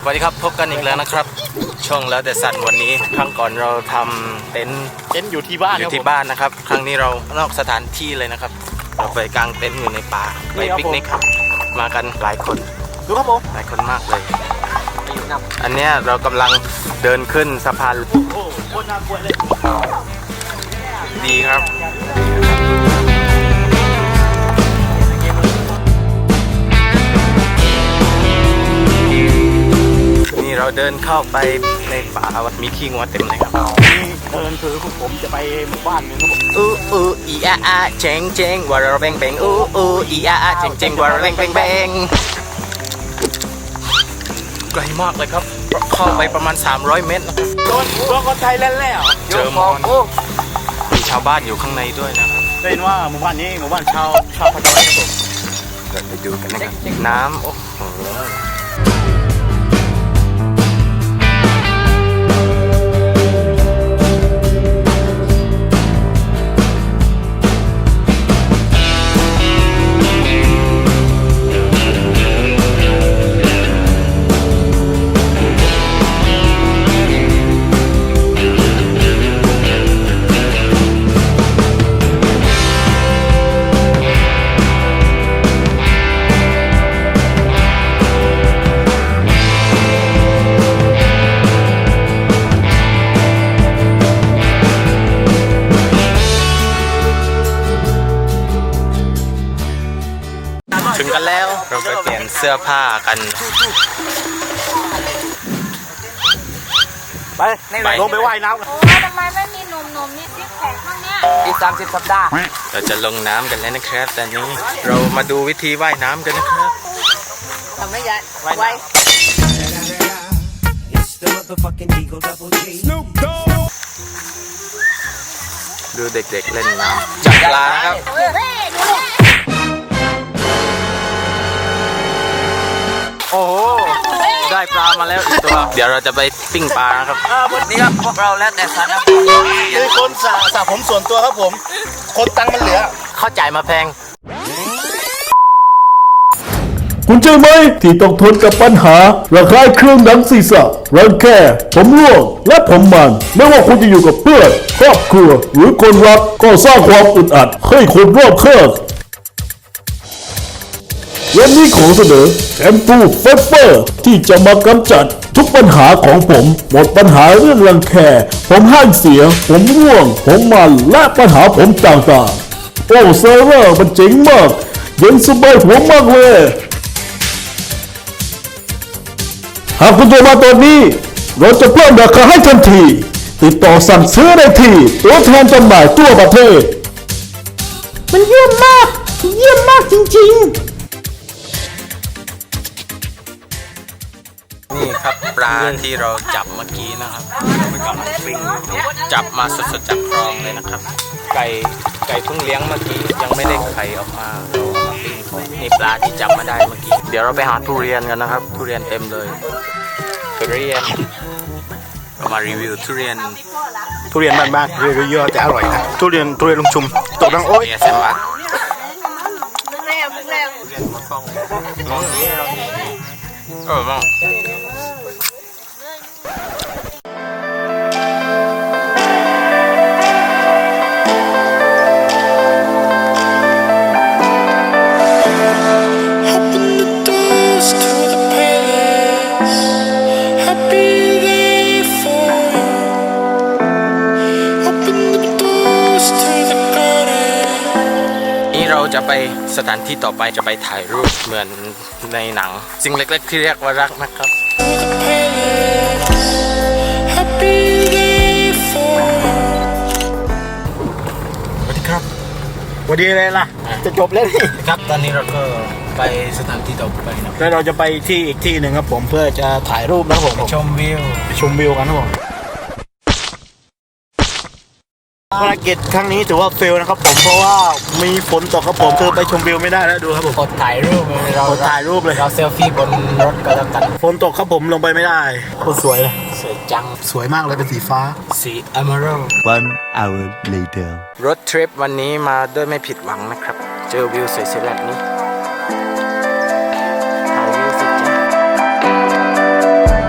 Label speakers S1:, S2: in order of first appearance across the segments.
S1: สวัสดีครับพบกันอีกแล้วนะครับช่องแล้วแต่สัตว์วันนี้ครั้งก่อนเราทำเต็นท์
S2: อยู่ที่บ้าน
S1: นะครับ ครั้งนี้เรานอกสถานที่เลยนะครับเราไปกางเต็นท์อยู่ในป่าไปปิกนิกครับมากันหลายคน
S2: ดูครับผม
S1: หลายคนมากเลยอันเนี้ยเรากำลังเดินขึ้นสะพาน
S2: โอ้โหโคตรน่ากลัวเลย
S1: ดีครับนี่เราเดินเข้าไปในป่าวัดมีขี้งัวเต็มเลยครับ
S2: เดินคือผมจะไปหมู่บ้านนึงครับผม
S1: อีอาเจงเจงวาระเบงเบงอีอาเจงเจงวาระเบงเบงเบงไกลมากเลยครับเข้าไปประมาณ300 เมตรนะครับ
S2: โดนคนไทยแล้ว
S1: เจอมอนมีชาวบ้านอยู่ข้างในด้วยนะครับ
S2: ได้ยินว่าหมู่บ้านนี้หมู่บ้านชาวพะเยาครับผม
S1: เราไปดูกันนะครับน้ำโอ้โหถึงกันแล้วเราไปเปลี่ยนเสื้อผ้ากัน
S2: ไปลงไปว่ายน้ำกัน
S3: โอ้ทำไมไม่มีหนุ่มๆนี่ซิกแพคข้างเนี้ย
S2: อีก30 สัปดาห์
S1: เราจะลงน้ำกันแล้วนะครับตอนนี้เรามาดูวิธีว่ายน้ำกันนะครับ
S3: ทำไม่ยัดไว้
S1: ดูเด็กๆเล่นน้ำจับปลาครับโอ้โหได้ปลามาแล้วอีกตัวเดี๋ยวเราจะไปปิ้งปลานะครับ
S2: นี่ครับพวกเราแล้วแต่สัตว์นะคือคนสระผมส่วนตัวครับผมคนตังมันเหลือ
S1: เข้าจ่ายมาแพง
S4: คุณใช่ไหมที่ต้องทนกับปัญหาระคายเครื่องหนังศีรษะรังแคผมร่วงและผมมันไม่ว่าคุณจะอยู่กับเพื่อนครอบครัวหรือคนรักก็สร้างความอึดอัดให้คนรอบข้างวันนี้ขอเสนอแชมพูเฟเฟอร์ที่จะมากำจัดทุกปัญหาของผมหมดปัญหาเรื่องรังแคผมห้างเสียผมร่วงผมมันและปัญหาผมต่างๆโอ้เซอร์เวอร์มันเจ๋งมากเย็นสบายหัวมากเลยหากคุณโทรมาตอนนี้เราจะเพิ่มราคาให้ทันทีติดต่อสั่งซื้อได้ที่ตัวแทนจำหน่ายทั่วประเทศ
S3: มันเยี่ยมมากจริงๆ
S1: นี่ครับปลาที่เราจับเมื่อกี้นะครับเราไปกำลังปิ้งจับมาสดๆจากคลองเลยนะครับไก่เพิ่งเลี้ยงเมื่อกี้ยังไม่ได้ไข่ออกมาเราเอามาปิ้งก่อนนี่ปลาที่จับมาได้เมื่อกี้เดี๋ยวเราไปหาทุเรียนกันนะครับทุเรียนเต็มเลยทุเรียนเรามารีวิวทุเรียน
S2: บ้านๆเยอะๆแต่อร่อยนะทุเรียนลุงชุมตกดังโอ๊ย
S1: แซมบัตบ้างเราจะไปสถานที่ต่อไปจะไปถ่ายรูปเหมือนในหนังสิ่งเล็กๆที่เรียกว่ารักนะครับสวัสดีครับ
S2: สวัสดีเลยล่ะจะจบแล้วนี่
S1: ครับตอนนี้เราก็ไปสถานที่ต่อไปนะ
S2: แล้วเราจะไปที่อีกที่หนึ่งครับผมเพื่อจะถ่ายรูปนะครับผม
S1: ชมวิ
S2: วกันครับผมภารกิจครั้งนี้ถือว่าเฟลนะครับผมเพราะว่ามีฝนตกครับผมคือไปชมวิวไม่ได้แล้วดูครับผม
S1: อดถ่ายรูปเลยเราเซลฟี่บนรถก็แล้วกัน
S2: ฝนตกครับผมลงไปไม่ได้โคตรสวยเลย
S1: สวยจัง
S2: สวยมากเลยเป็นสีฟ้า
S1: สี Emerald
S4: One hour later
S1: รถทริปวันนี้มาด้วยไม่ผิดหวังนะครับเจอวิวสวยๆแบบนี้ถ่ายวิวสวยจัง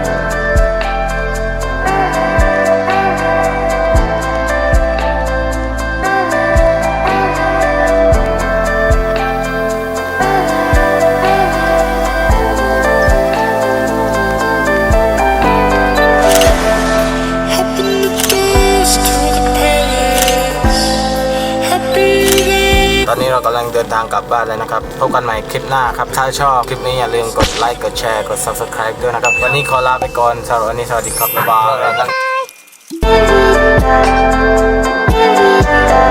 S1: งเดินทางกลับบ้านแล้วนะครับพบกันใหม่คลิปหน้าครับถ้าชอบคลิปนี้อย่าลืมกดไลค์กดแชร์กด Subscribe ด้วยนะครับวันนี้ขอลาไปก่อนสำหรับวันนี้สวัสดีครับบ๊ายบาย